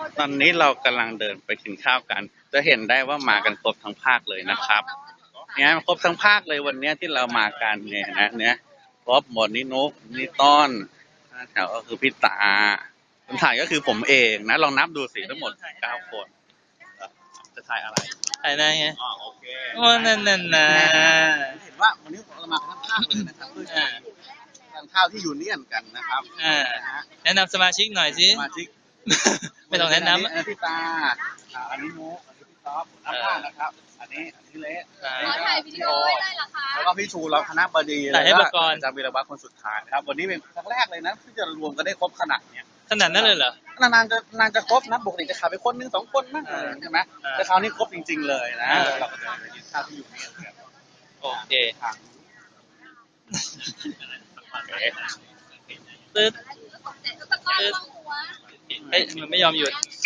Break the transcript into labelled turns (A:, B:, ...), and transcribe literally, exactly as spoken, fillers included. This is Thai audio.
A: ตอนนี้เรากำลังเดินไปกินข้าวกัน จะเห็นได้ว่ามากันครบทั้งภาคเลยนะครับเนี่ยครบทั้งภาคเลยวันนี้ที่เรามากันเนี่ยนะเนี่ยครบหมดนี่นุกนี่ต้นแถวก็คือพี่ตาคนถ่ายก็คือผมเองนะลองนับดูสิทั้งหมดเก้าคนจะถ่ายอะไร
B: ถ่ายได้ไง
A: อ๋อโอเค
B: โอ้นั่นนั่นนะ
A: เห็นว่าวันนี้เรามาทั้งภาคเลยนะครับเพื่อทานข้าวที่ยูเนียนกันนะครับ
B: แนะนำสมาชิกหน่อยสิ
A: สมาชิก
B: ไม่ต้องแนะนำ
A: อันนี้พี่ตาอันนี้นุกอันนี้พี่ต๊อบน้ำผ้านะครับอันนี้อันนี้เละ
C: ขอถ่ายวิดีโอได้เหรอคะ
A: แล้วก็พี่ชูเราคณะบดี
B: ถ่ายให้ประกรณ์
A: อาจารย์วีรวัฒน์คนสุดท้ายนะครับวันนี้เป็นครั้งแรกเลยนะที่จะรวมกันได้ครบขนาดเนี้ย
B: ขนาดนั้นเลยเหร
A: อนานๆจะนานจะครบนะปกติจะขาดไปคนนึงสองคนมั้งใช่ไหมแต่คราวนี้ครบจริงๆเลยนะเราก็จะไปกินข้าวที่อยู่นี่กัน
B: โอเคตึ๊ดตึ๊ดเฮ้ยมันไม่ยอมหยุด